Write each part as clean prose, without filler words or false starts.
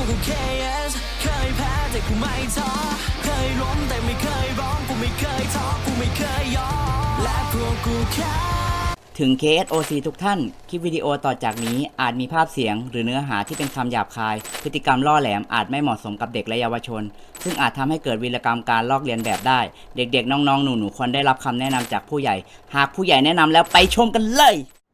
กู KS เคยแพ้แต่กูไม่ท้อเคยล้มแต่ไม่เคยร้องกูไม่เคยท้อกูไม่เคยยอมและพวกกูแค่ถึง KSOC ทุกท่าน คลิปวิดีโอต่อจากนี้อาจมีภาพเสียงหรือเนื้อหาที่เป็นคำหยาบคาย พฤติกรรมล่อแหลมอาจไม่เหมาะสมกับเด็กและเยาวชน ซึ่งอาจทำให้เกิดวีรกรรมการลอกเลียนแบบได้ เด็กๆ น้องๆ หนูๆ ควรได้รับคำแนะนำจากผู้ใหญ่ หากผู้ใหญ่แนะนำแล้วไปชมกันเลย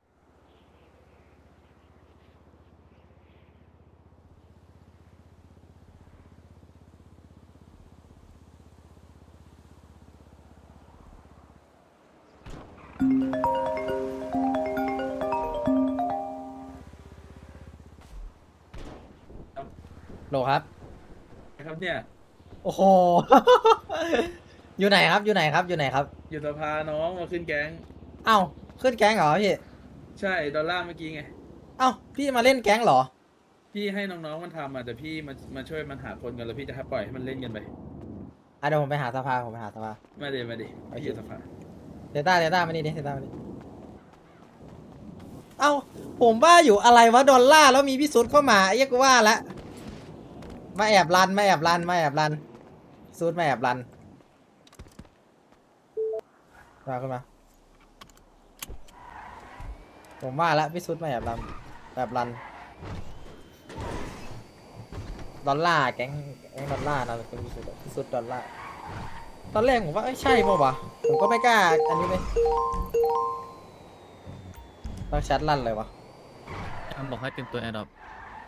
โหลครับครับเนี่ยโอ้โห อยู่ไหนครับ อยู่ไหนครับ อยู่ไหนครับอยู่สภาน้องมาขึ้นแก๊งเอ้าขึ้นแก๊งเหรอพี่ใช่ดอลลาร์เมื่อกี้ไงเอ้าพี่มาเล่นแก๊งเหรอพี่ให้น้องๆมันทำอ่ะแต่พี่มาช่วยมันหาคนกันแล้วพี่จะให้ปล่อยให้มันเล่นกันไปเดี๋ยวผมไปหาสภาผมไปหาสภามาดิพี่อยู่สภาเดต้ามานี่ดิเดต้ามานี่เอ้าผมว่าอยู่อะไรวะดอลลาร์แล้วมีพี่สุดเข้ามาไอ้เหี้ยกูว่าละมาแอบรันสุดมาแอบรันมาขึ้นมาผมว่าละพี่สุดมาแอบรันดอลลาร์แก๊งดอลลาร์นะเป็นพี่สุดดอลลาร์ตอนแรกผมว่าใช่ป่าววะผมก็ไม่กล้าอันนี้เลยต้องชัดลั่นเลยวะบอกให้เตรียมตัวแอร์ดรอป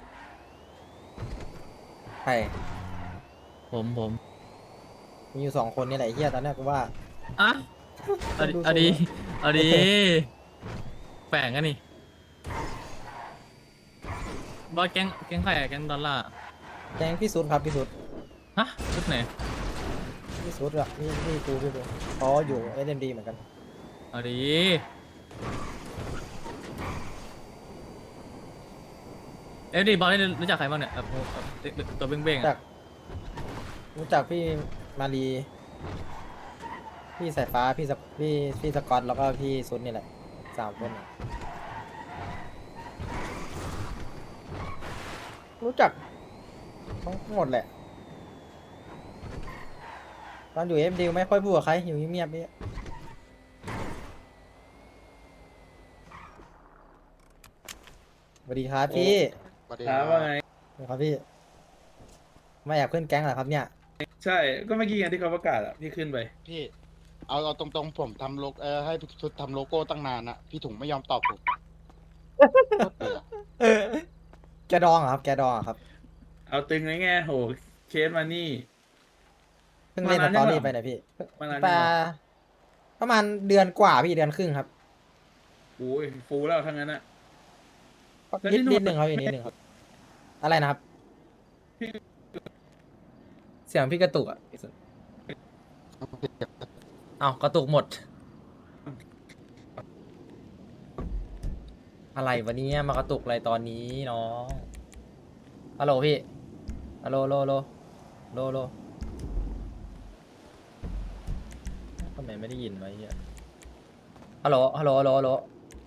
ใช่ผมมีอยู่2 คนนี่แหละไอ้เฮียตอนแรกกูว่าอ่ะเอาดีแปลงกันนี่บอสแก๊งใครอะแก๊งดอลลาร์แก๊งพี่สุดครับพี่สุดฮะชุดไหนพี่สุดอะพี่กูอ๋ออยู่SMDเหมือนกันเอาดีเอ้ยดีบอสได้รู้จักใครบ้างเนี่ยตัวเบ้งๆรู้จักพี่มารีพี่สายฟ้าพี่สกอตแล้วก็พี่สุดนี่แหละ3 คนรู้จักทั้งหมดแหละตอนอยู่SMDไม่ค่อยพูดกับใครอยู่เงียบๆนี่สวัสดีครับพี่ถามว่าไงครับพี่ไม่อยากขึ้นแก๊งเหรอครับเนี่ยใช่ก็เมื่อกี้ไงที่เขาประกาศอ่ะพี่ขึ้นไปพี่เอาตรงๆผมทำให้ชุดทำโลโก้ตั้งนานอะพี่ถุงไม่ยอมตอบผมแกดองเหรอครับแกดองเหรอครับเอาตึงไงโหเคสมานี่เพิ่งเล่นสตอรี่ไปนะพี่มานานปยังเหรอประมาณเดือนกว่าพี่เดือนครึ่งครับโอ้ยฟูแล้วทั้งนั้นอ่ะแล้วนิดที่นู่นนิดหนึ่งครับนิดหนึ่งครับอะไรนะครับเสียงพี่กระตุกอ่ะเอากระตุกหมดอะไรวะเนี่ยมากระตุกอะไรตอนนี้น้องฮัลโหลพี่ฮัลโหลโลทำไมไม่ได้ยินวะเฮียฮัลโหลฮัลโหลฮัลโหลฮัลโหล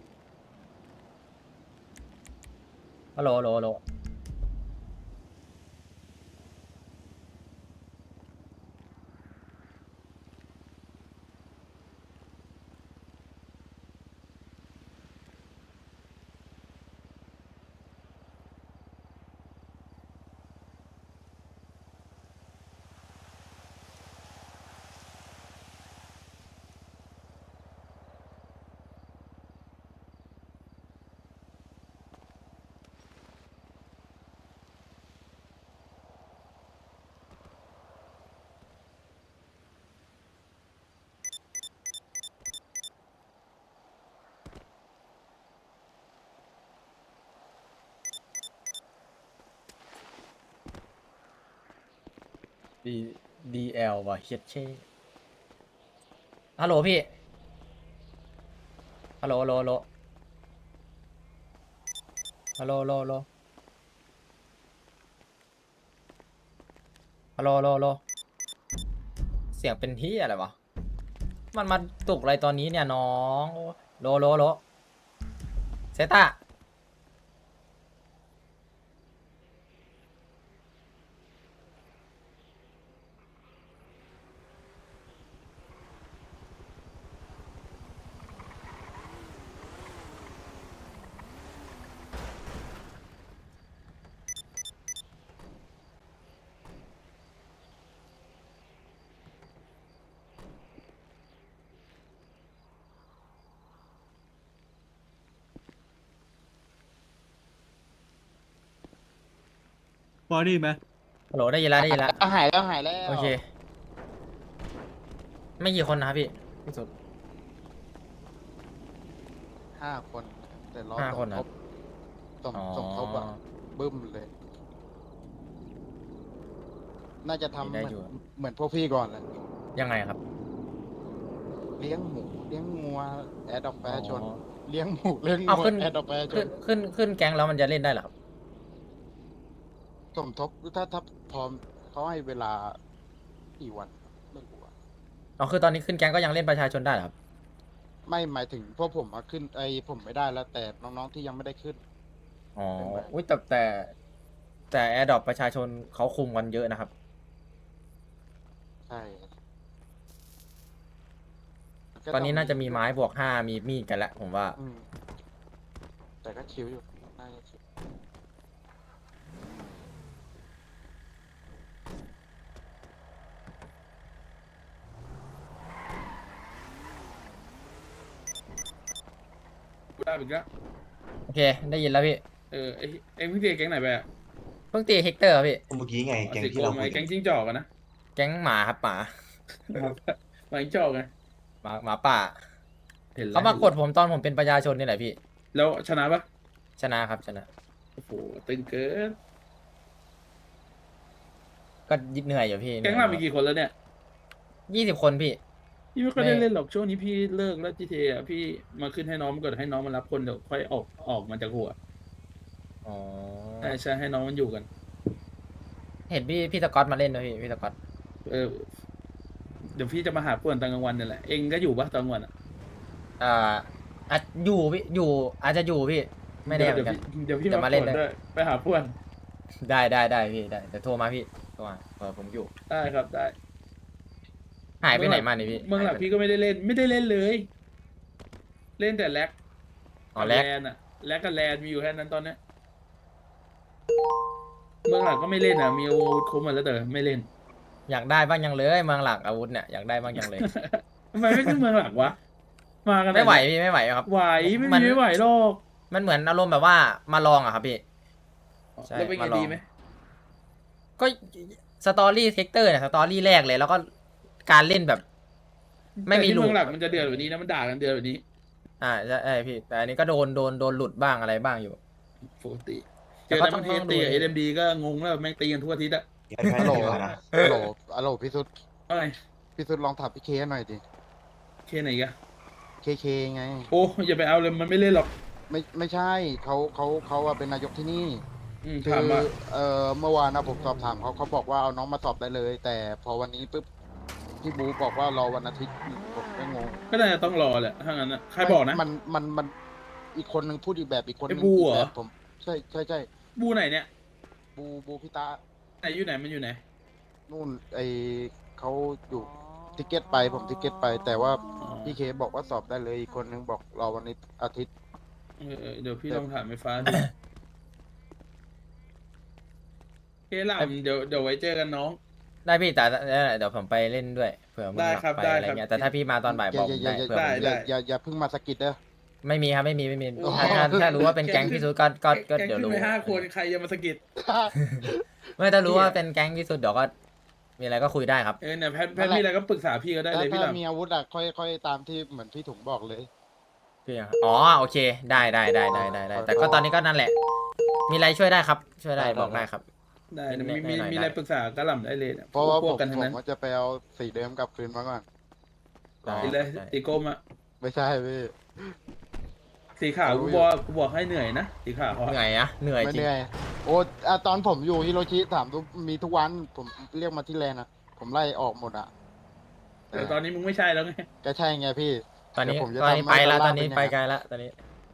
ฮัลโหลฮัลโหลฮัลโหลดีDL ว่ะเฮียเช่ฮัลโหลพี่ฮัลโหลฮัลโหลฮัลโหลฮัลโหลฮัลโหลฮัลโหลฮัลโหลฮัลโหลฮัลโหลเสียงเป็นที่อะไรวะมันมาตุกอะไรตอนนี้เนี่ยน้องโลเซต้าบอดี้ไหมฮัลโหลได้ยินแล้วได้ยินแล้วหายแล้วหายแล้วโอเค ไม่กี่คนนะครับพี่พี่สุด 5 คนแต่รอ 5 คนนะสมทบอะบึ้มเลย น่าจะทำได้เหมือนอยู่เหมือนพวกพี่ก่อนแหละยังไงครับเลี้ยงหมูเลี้ยงงัวแอดดอกแปรชนอ๋อเลี้ยงหมูเลี้ยงเอางัวขึ้นแอดดอกแปรชขึ้นแก๊งแล้วมันจะเล่นได้เหรอครับสมทบถ้าพร้อมเขาให้เวลากี่วันไม่รู้อะอ๋อคือตอนนี้ขึ้นแก๊งก็ยังเล่นประชาชนได้เหรอครับไม่หมายถึงพวกผมมาขึ้นผมไม่ได้แล้ว แต่น้องๆที่ยังไม่ได้ขึ้นอ๋อเป็นไงอุ้ยแต่แอร์ดรอปประชาชนเขาคุมกันเยอะนะครับใช่ตอนนี้น่าจะมีไม้บวก 5มีมีดกันแล้วผมว่าอืมแต่ก็ชิวอยู่น่าจะชิวกูได้อีกแล้วโอเค ได้ยินแล้วพี่เอ็งเพิ่งเตียแก๊งไหนไปอ่ะเพิ่งตีเฮกเตอร์ครับพี่เมื่อกี้ไงแกงสิโกที่เราไหมคุยแก๊งจิ้งจอกอะนะแก๊งหมาครับหมาหมาจิ้งจอกไงหมาป่าเห็นแล้วเขามากดผมตอนผมเป็นประชาชนนี่แหละพี่แล้วชนะปะชนะครับชนะโอ้โหตึงเกินก็ยิดเหนื่อยอยู่พี่แก๊งเรามีกี่คนแล้วเนี่ย 20 คนพี่พี่ไม่ค่อยได้เล่นหรอกช่วงนี้พี่เลิกแล้ว GTA อ่ะพี่มาขึ้นให้น้องมันก่อนให้น้องมันรับคนเดี๋ยวค่อยออกมาจากหัวอ๋อใช่ให้น้องมันอยู่กันเห็นพี่สกอตมาเล่นด้วยพี่สกอตเออเดี๋ยวพี่จะมาหาป่วนตอนกลางวันนี่แหละเองก็อยู่ปะตอนกลางวันอ่ะอาจอยู่พี่อยู่อาจจะอยู่พี่ไม่แน่เหมือนกันเดี๋ยวพี่เดี๋ยวมามาเล่ป่วน นด้วยด้วยไปหาป่วนได้พี่ได้เดี๋ยวโทรมาพี่โทรมาผมอยู่ได้ครับได้หายไปไหนมาเนี่ยพี่เมืองหลักหายไปพี่ก็ไม่ได้เล่นเลย เล่นแต่แล็กอ๋อแล็กนอ่ะแล็กกับแลนมีอยู่แค่นั้นตอนเนี้ยเมืองหลักก็ไม่เล่นอ่ะมีอาวุธครบหมดแล้วแต่ไม่เล่นอยากได้บ้างยังเลยเมืองหลักอาวุธเนี่ยอยากได้บ้างยังเลยทำไมไม่ขึ้นเมืองหลักวะมากันไม่ไหวพี่ไม่ไหวครับไหวไม่มันมีไม่ไหวหรอกมันเหมือนอารมณ์แบบว่ามาลองอะครับพี่ ใช่แล้วเป็นไงมาลองดีไหมก็สตอรี่เซกเตอร์เนี่ยสตอรี่แรกเลย แล้วก็การเล่นแบบ ไม่มีแต่ที่หลุเมืดองหลักมันจะเดือดกว่านี้นะมันด่ากันเดือดกว่านี้ใช่พี่ แต่อันนี้ก็โดนหลุดบ้างอะไรบ้างอยู่ปกติเจแต่อก็แต่ต้บาองงทีดูตีกับเอ็มดีก็งงแล้วแม่งตีกันทั่วอาทิตย์อะแพ้ฮัลโหลดีกว่านะฮัลโหลพี่สุดอะไรพี่สุดลองถามพี่เคหน่อยดิเคไหนกันเคไงโอ้อย่าไปเอาเลยมันไม่เล่นหรอกไม่ใช่เขาอะเป็นนายกที่นี่ คืถามอว่าเมื่อวานนะผมสอบถามเขาบอกว่าเอาน้องมาสอบได้เลย แต่พอวันนี้ปุ๊บพี่บูบอกว่ารอวันอาทิตย์ผมก็งงก็น่าจะต้องรอแหละถ้างั้นนะใครบอกนะมันอีกคนนึงพูดอีกแบบอีกคนนึงไอ้บูเหรออีกแบบผมใช่บูไหนเนี่ยบูพี่ตาไหนอยู่ไหนมันอยู่ไหนนู่นเขาอยู่ทิเก็ตไปผมทิเก็ตไป แต่ว่าอ๋อพี่เคบอกว่าสอบได้เลยอีกคนนึงบอกรอวันนี้อาทิตย์เดี๋ยวพี่ลองถามไฟฟ้าดูเคหลังเดี๋ยวไว้เจอกันน้องได้พี่แต่เดี๋ยวผมไปเล่นด้วยเผื่อมึงได้อยากครับไปได้อะไรครับเงี้ยแต่ถ้าพี่มาตอนบ่ายบอกผมได้เผื่อได้ผมได้อย่าเพิ่งมาสะกิดเด้อไม่มีครับไม่มีโอ้ถ้ารู้ว่าเป็นแก๊งพี่สุดก็เดี๋ยวแก๊งขึ้รู้นไป5 คนใครจะมาสะกิดไม่ถ้ารู้ว่าเป็นแก๊งพี่สุดเดี๋ยวก็มีอะไรก็คุยได้ครับเนี่ยแพทมีอะไรก็ปรึกษาพี่ก็ได้เลยพี่หถ้าลังมีอาวุธอะค่อยตามที่เหมือนพี่ถุงบอกเลยคือยังอ๋อโอเคได้แต่ก็ตอนนี้ก็นั่นแหละ มีอะไรช่วยได้ครับ ช่วยได้ได้บอกได้ครับได้ได้มีอะไรปรึกษากระหล่ำได้เลยนี่ยเพราะว่าพวกกันทั้งนั้นผมจะไปเอาสีเดิมกลับคืนมาก่อนได้ไปเลยได้ตีโกมอะไม่ใช่พี่สีขาวรู้กูอยู่บอกให้เหนื่อยนะสีขาวเขาเหนื่อยอะเหนื่อยไม่จริงเหนื่อยโอ้ตอนผมอยู่ฮิโรชิถามมีทุกวันผมเรียกมาที่แลนด์อะผมไล่ออกหมดอะแต่ตอนนี้มึงไม่ใช่แล้วไงก็ใช่ไงพี่ตอนนี้เดี๋ยวผมจะตอนนี้ทำไปแล้วให้ตอนนี้เป็นไงไปไกลแล้วตอนนี้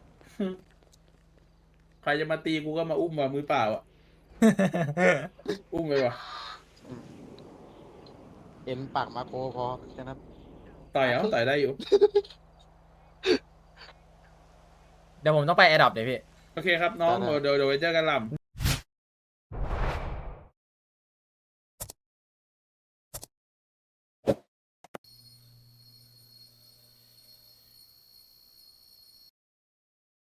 ใครจะมาตีกูก็มาอุ้มมามือเปล่าอ่ะ อุ้มไปว่ะเอ็นปากมาโคพอแค่นั้นต่อยได้อยู่เดี๋ยวผมต้องไปแอดดอปเดี๋ยวพี่โอเคครับน้องได้เดี๋ยวไว้เจอกันลำ